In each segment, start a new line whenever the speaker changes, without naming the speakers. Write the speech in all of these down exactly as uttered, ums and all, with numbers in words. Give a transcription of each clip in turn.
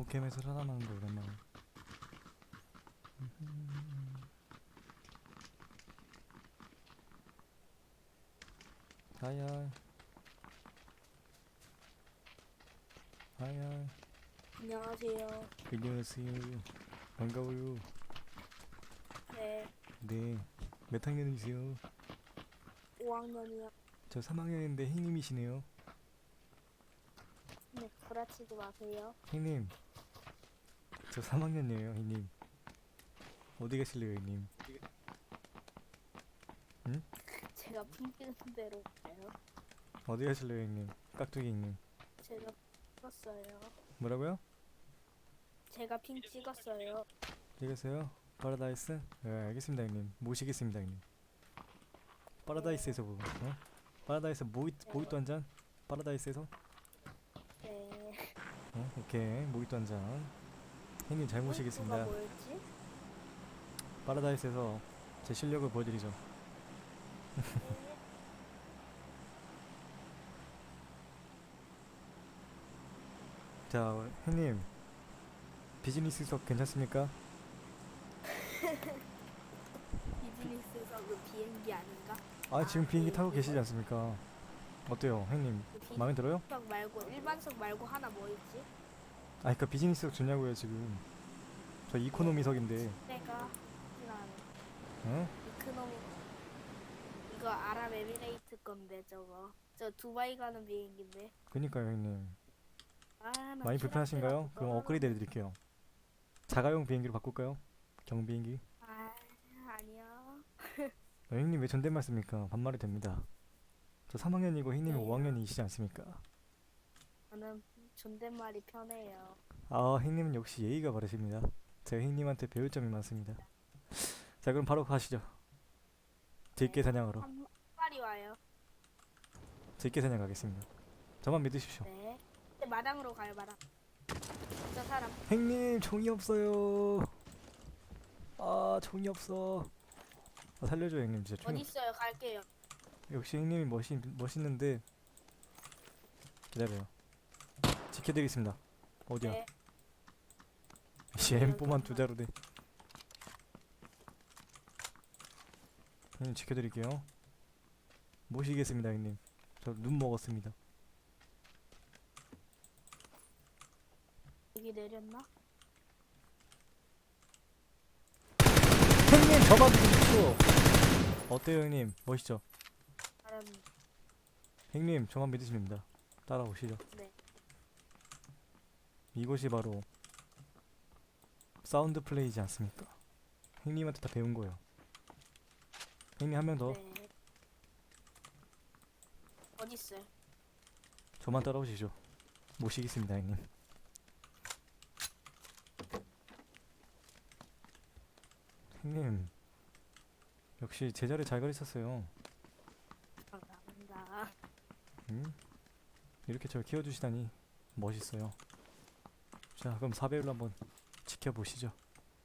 오캠에서 살아남는 거 오랜만에. 하야 하야.
안녕하세요.
안녕하세요. 반가워요.
네,
네. 몇 학년이세요?
오 학년이요.
저 삼 학년인데 형님이시네요.
네, 구라치지 마세요.
형님, 저 삼 학년이에요. 형님, 어디 가실래요, 형님? 응?
제가 핑계는 대로 가요.
어디 가실래요, 형님? 깍두기 형님.
제가 찍었어요.
뭐라고요?
제가 핑 찍었어요.
되겠어요? 파라다이스? 네, 알겠습니다, 형님. 모시겠습니다, 형님. 파라다이스에서 뭐? 어? 파라다이스 모히 모히또 한 잔? 파라다이스에서?
네.
어? 오케이, 모히또 한 잔. 형님 잘
가
모시겠습니다.
뭐였지?
파라다이스에서 제 실력을 보여드리죠.
네.
자, 형님 비즈니스석 괜찮습니까?
비즈니스에서 그 비행기 아닌가?
아, 지금 비행기
그,
타고
그거.
계시지 않습니까? 어때요, 형님?
그
마음에 들어요?
비즈니스석 말고 일반석 말고 하나 뭐 있지?
아, 그니까 비즈니스석 좋냐고요 지금. 저 이코노미석인데.
내가 지나는
어?
이코노미 이거 아랍에미레이트 건데 저거. 저 두바이 가는 비행기인데.
그니까요, 형님.
아, 나
많이 불편하신가요?
쥐락쥐락
그럼 업그레이드 해드릴게요. 자가용 비행기로 바꿀까요? 경비행기?
아, 아니요.
어, 형님 왜 존댓말 씁니까? 반말이 됩니다. 저 삼 학년이고 형님이
네.
오 학년이시지 않습니까?
저는 존댓말이 편해요.
아, 형님은 역시 예의가 바르십니다. 제가 형님한테 배울 점이 많습니다. 자, 그럼 바로 가시죠. 들깨
네.
사냥하러.
한 마리 와요.
들깨 사냥 가겠습니다. 저만 믿으십시오.
네. 네, 마당으로 가요, 마당. 저 사람.
형님 총이 없어요. 아, 총이 없어. 아, 살려줘요, 형님. 진짜 총이
어디 있어요? 갈게요.
없... 역시 형님이 멋있, 멋있는데. 기다려요. 지켜드리겠습니다. 어디야?
네.
씨, 엠포만 두 자루 돼. 형님 지켜드릴게요. 모시겠습니다, 형님. 저 눈 먹었습니다.
여기 내렸나?
형님 저만 믿으십시오. 어때요, 형님? 멋있죠?
사람.
형님 저만 믿으시면 됩니다. 따라오시죠.
네.
이곳이 바로 사운드 플레이지 않습니까? 형님한테 다 배운 거예요. 형님 한 명 더.
네. 어디 있어요?
저만 따라오시죠. 모시겠습니다, 형님. 형님 역시 제자리 잘 가르쳤어요.
감사합니다.
음? 이렇게 저를 키워주시다니 멋있어요. 자, 그럼 사 배율로 한번 지켜보시죠.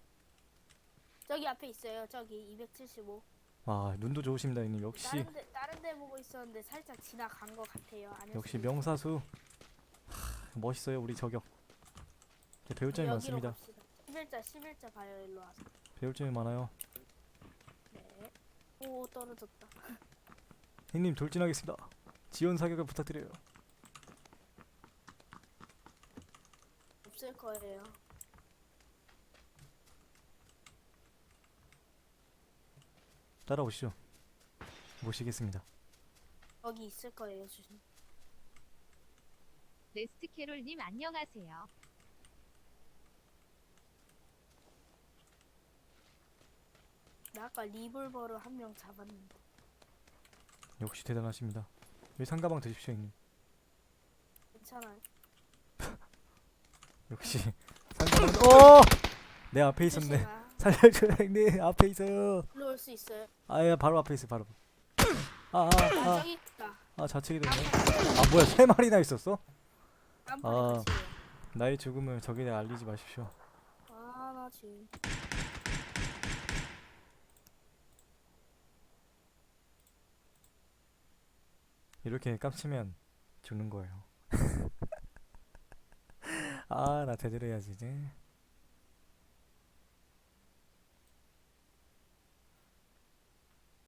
저기 앞에 있어요. 저기 이백칠십오.
와, 눈도 좋으십니다, 형님. 역시
다른 데 다른 데 보고 있었는데 살짝 지나간 것 같아요. 아닐
역시
수도 있어요.
명사수. 하, 멋있어요, 우리 저격. 이제 배울 점이
여기로
많습니다.
갑시다. 십일자 십일자 가요. 일로 와서.
배울 점이 많아요.
네. 오, 떨어졌다.
형님 돌진하겠습니다. 지원 사격을 부탁드려요.
없을 거예요.
따라오시죠. 모시겠습니다.
여기 있을 거예요, 주신.
레스트캐롤님 안녕하세요.
나 아까 리볼버로 한 명 잡았는데.
역시 대단하십니다. 여기 상가방 드십시오, 형님.
괜찮아요.
역시 상가방. 어! 내 앞에 있었네.
조심아.
살려줘요, 형님. 앞에 있어요.
일로 올 수 있어요.
아야, 바로 앞에 있어, 바로. 아, 아,
아,
아,
저기 있다.
아, 좌측이 됐네. 아, 뭐야, 세 마리나 있었어?
깜빡이
아.
같이 해요.
나의 죽음을 적에게 알리지 마십시오.
아, 나 지금.
이렇게 깜치면 죽는 거예요. 아, 나 제대로 해야지 이제.